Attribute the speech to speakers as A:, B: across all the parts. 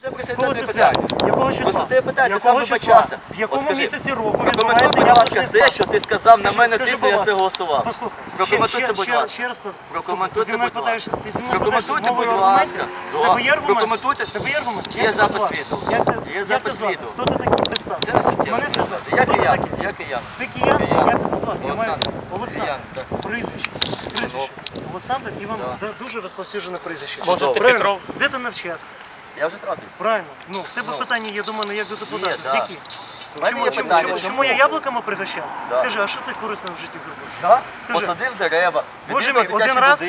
A: Якого числа? Якого числа?
B: Ти питання, ти сам вибачався.
A: В якому місяці року
B: Прокоментуй, будь ласка, те, що ти сказав, на мене тисну, я це голосував.
A: Послухай,
B: Прокоментуй це, будь ласка.
A: ще раз
B: Прокоментуй це, будь ласка.
A: Прокоментуйте,
B: будь ласка.
A: Тебе є аргумент?
B: Прокоментуйте.
A: Тебе є аргумент?
B: Є запис відео. Є запис відео.
A: Хто ти такий? Представ.
B: Це не суттєво.
A: Мене все звати.
B: Я
A: Хто ти
B: киян.
A: такий?
B: Я киян.
A: Ти киян?
B: Киян.
A: Як тебе звати? Я маю
B: Олександр.
A: Олександр.
B: Киян, так.
A: Прізвище. Олександр Іванов. Дуже розповсюджене прізвище.
C: Може, ти
A: Правильно?
C: Петров?
A: Де ти навчався?
B: Я вже тратив.
A: Правильно. Ну, в тебе питання є до мене, як до депутата.
B: да.
A: Які?
B: У мене є питання.
A: Чому я яблуками пригощав?
B: Да.
A: Скажи, а що ти корисного в житті зробив?
B: Так?
A: Скажи.
B: Посадив дерева.
A: Боже мій, один раз,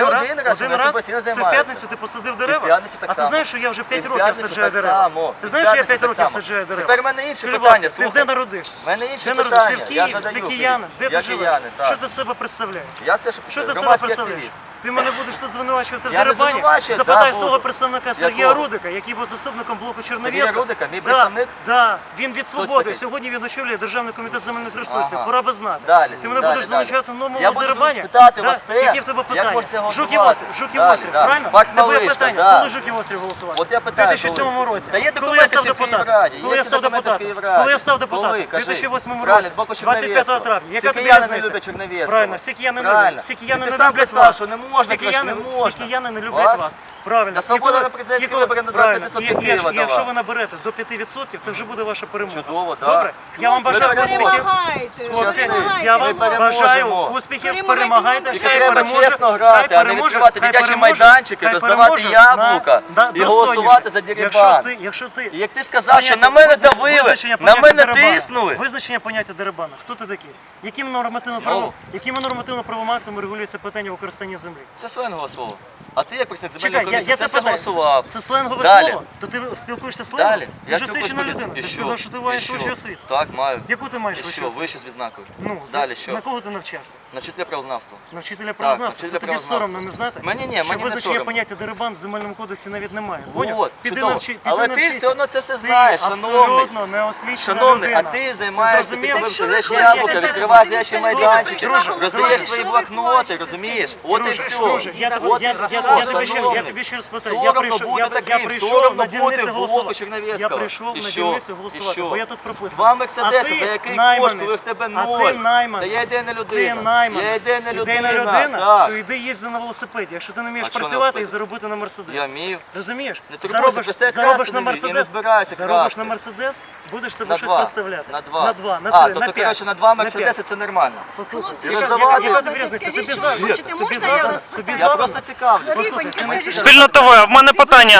A: це в п'ятницю ти посадив дерева?
B: п'ятницю так
A: А ти
B: само.
A: знаєш, що я вже 5
B: І в
A: років
B: п'ятницю
A: саджаю
B: так
A: дерева?
B: само.
A: Ти
B: І в
A: знаєш, що я
B: п'ятницю
A: 5
B: так
A: років
B: само.
A: саджаю дерева?
B: Тепер в мене інше
A: Скажи, будь
B: питання,
A: ласка, ти
B: слухай.
A: де народився?
B: В мене інше
A: Де народився?
B: питання.
A: Ти в
B: Я
A: Києві,
B: задаю.
A: ти киянин, де ти
B: Я
A: живеш?
B: киянин, так.
A: Що ти з себе представляєш?
B: Я все ж
A: Що ти з себе
B: громадський
A: представляєш?
B: активіст.
A: Ти мене будеш тут звинувачувати в
B: Я не
A: дерибані?
B: звинувачую,
A: Запитай
B: да,
A: свого
B: буду.
A: представника Сергія
B: Якого?
A: Рудика, який був заступником блоку
B: Сергія
A: Чорновєска.
B: Рудика, мій представник?
A: Да. Він від свободи.
B: такий?
A: Сьогодні він очолює Державний комітет земельних ресурсів.
B: Ага.
A: Пора би знати.
B: Далі,
A: Ти мене
B: далі,
A: будеш
B: далі.
A: звинувачувати в новому
B: Я буду
A: дерибані?
B: питати вас те,
A: Які в тебе
B: як
A: питання?
B: можете
A: Жук і
B: голосувати.
A: Жук і
B: Далі,
A: Острів,
B: далі.
A: правильно?
B: Бак
A: Тебе є
B: Малишка,
A: питання,
B: да.
A: коли Жук і Острів голосувати?
B: От я
A: У
B: питаю,
A: 2007 році.
B: Та є
A: Коли я
B: документи
A: став
B: ще в
A: депутатом?
B: Київраді,
A: Коли
B: є
A: я став
B: документи в
A: депутатом?
B: Київраді.
A: Коли я став депутатом?
B: Коли?
A: У
B: Кажи.
A: 2008
B: Правильно,
A: році.
B: боку
A: 25
B: Черновєцького.
A: травня. Яка
B: Всі
A: тобі
B: кияни не
A: різниця?
B: люблять Черновєцького.
A: Правильно, всі кияни не
B: Правильно.
A: люблять. Всі кияни
B: Ти
A: не
B: сам
A: люблять
B: писав,
A: вас.
B: що не можна,
A: Всі кияни,
B: не можна.
A: всі кияни не люблять
B: Вас?
A: вас. Правильно.
B: Та свобода
A: І коли-
B: на президентські
A: і коли-
B: вибори на
A: правильно.
B: 25%
A: І
B: Києва
A: якщо
B: дала.
A: ви наберете до 5%, це вже буде ваша перемога.
B: Чудово, так.
A: Добре? Я вам бажаю успіхів.
D: Перемагайте,
A: Хлопці,
D: перемагайте.
A: я вам
B: Ми переможемо.
A: бажаю успіхів, перемагайте,
B: Тільки
A: хай
B: треба
A: переможе,
B: чесно
A: хай
B: грати, а не
A: переможе,
B: відкривати
A: хай
B: дитячі
A: переможе,
B: майданчики,
A: хай
B: роздавати
A: переможе
B: яблука
A: на
B: і голосувати за
A: достойніше.
B: дерибан.
A: Якщо ти,
B: І як ти сказав, що на мене давили,
A: визначення
B: на
A: поняття
B: мене
A: дерибана.
B: тиснули.
A: Визначення поняття дерибана. Хто ти такий? Якими
B: Знову?
A: нормативно-правовими актами регулюється питання використання землі?
B: Це сленгове слово. А ти як представник
A: Чекай,
B: земельної комісії
A: я
B: це
A: тебе
B: все
A: питаю,
B: голосував.
A: це сленгове
B: Далі.
A: слово? То ти спілкуєшся сленгом?
B: Далі.
A: Ти
B: Я
A: ж
B: спілкуюсь
A: освічена
B: з людьми.
A: людина.
B: І
A: Ти ж
B: що?
A: сказав, що ти
B: І
A: маєш
B: що?
A: вищу освіту.
B: Так, маю.
A: Яку ти маєш
B: І
A: вищу
B: що?
A: освіту?
B: Вище з відзнакою.
A: Ну,
B: Далі що?
A: на кого ти навчався?
B: На вчителя правознавства.
A: На вчителя правознавства.
B: вчителя
A: Тобі
B: правознавства.
A: соромно не знати?
B: Мені ні,
A: що
B: мені не
A: визначення
B: соромно.
A: поняття дерибан в земельному кодексі навіть немає. Поняв?
B: От,
A: Піди
B: чудово.
A: навчи, піди
B: Але ти
A: навчися.
B: все одно це все
A: Ти
B: знаєш, шановний.
A: абсолютно неосвічена
B: Шановний,
A: людина.
B: а ти займаєшся
A: зрозумів?
B: тим,
D: Так що
B: що
D: ви
B: даєш
D: хочете?
B: яблука, відкриваєш дитячі
D: Слухай,
B: майданчики,
D: друже,
B: роздаєш
D: друже,
B: свої
D: що ви
B: блокноти,
D: хочете?
B: розумієш? От і все.
A: Друже, я
B: От
A: тебе-
B: і
A: я
B: все,
A: тебе
B: шановний.
A: ще раз питаю.
B: Соромно бути таким,
A: прийшов
B: соромно
A: на
B: бути
A: дільницю
B: в блоку
A: голосувати.
B: Черновєцького.
A: Я прийшов
B: І
A: на
B: що?
A: дільницю
B: І
A: голосувати,
B: що?
A: бо я тут прописаний.
B: Два Мерседеси,
A: А ти
B: за який
A: найманець.
B: кошт, коли в тебе
A: А
B: ноль.
A: ти найманець.
B: Та я ідейна людина.
A: Ти найманець.
B: Я ідейна
A: Ідейна
B: людина, так.
A: то йди їзди на велосипеді. Якщо ти не вмієш
B: А що на
A: працювати і
B: велосипеді?
A: заробити на Мерседес.
B: Я вмів.
A: Розумієш?
B: Не турбуйся, просто я красти не вмію, я не збираюся
A: заробиш
B: красти.
A: на Мерседес, будеш себе
B: На
A: щось
B: два.
A: представляти.
B: На два.
A: На два, на
B: А,
A: три,
B: тобто,
A: на п'ять.
B: коротше, на два Мерседеси це нормально.
A: Послухай,
D: Хлопці,
B: І
D: що
B: роздавати-
D: ви
A: яка тобі
D: робите?
A: різниця?
D: Скажіть,
A: Тобі
D: що ви
A: задано?
D: хочете?
A: Тобі
D: Можна я
A: задано?
D: вас
A: Тобі
D: питаю?
B: Я
A: задано?
B: просто цікавлюсь.
A: Послухай, ти не цікавий.
C: Спільно ТВ, в мене питання.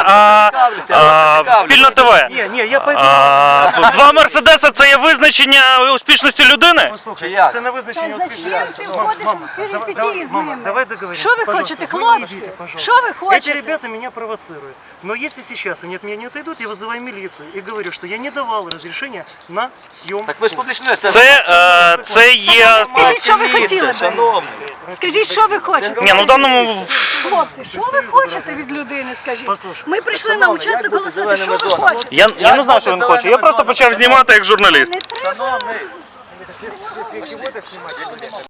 C: Спільно ТВ.
A: Ні, я пойду.
C: Два Мерседеса це є визначення успішності людини?
A: Послухай,
B: Чи як?
A: це не визначення
D: Та
A: успішності.
D: зачем ти входиш в перипетії з
A: Мама,
D: ними?
A: давай договоримся.
D: Что вы
A: Пожалуйста,
D: хотите,
A: вы не
D: хлопцы?
A: идите, пожалуйста.
D: Что вы хотите?
A: Эти ребята меня провоцируют. Но если сейчас они от меня не отойдут, я вызываю милицию и говорю, что я не давал разрешения на съемку.
B: Так ви ж публічно
C: Це є.
D: Скажіть, що ви хотіли би?
B: шановний.
D: Скажіть, що ви хочете?
C: Ні, ну в даному
D: Хлопці, що ви хочете від людини, скажіть?
A: Послухай,
D: Ми прийшли на участок
B: як бути
D: голосувати, що
B: зеленими
D: ви
B: зонами?
D: хочете?
C: я не знав, що він хоче. Я просто почав знімати як журналіст.
D: Не треба.
B: Шановний.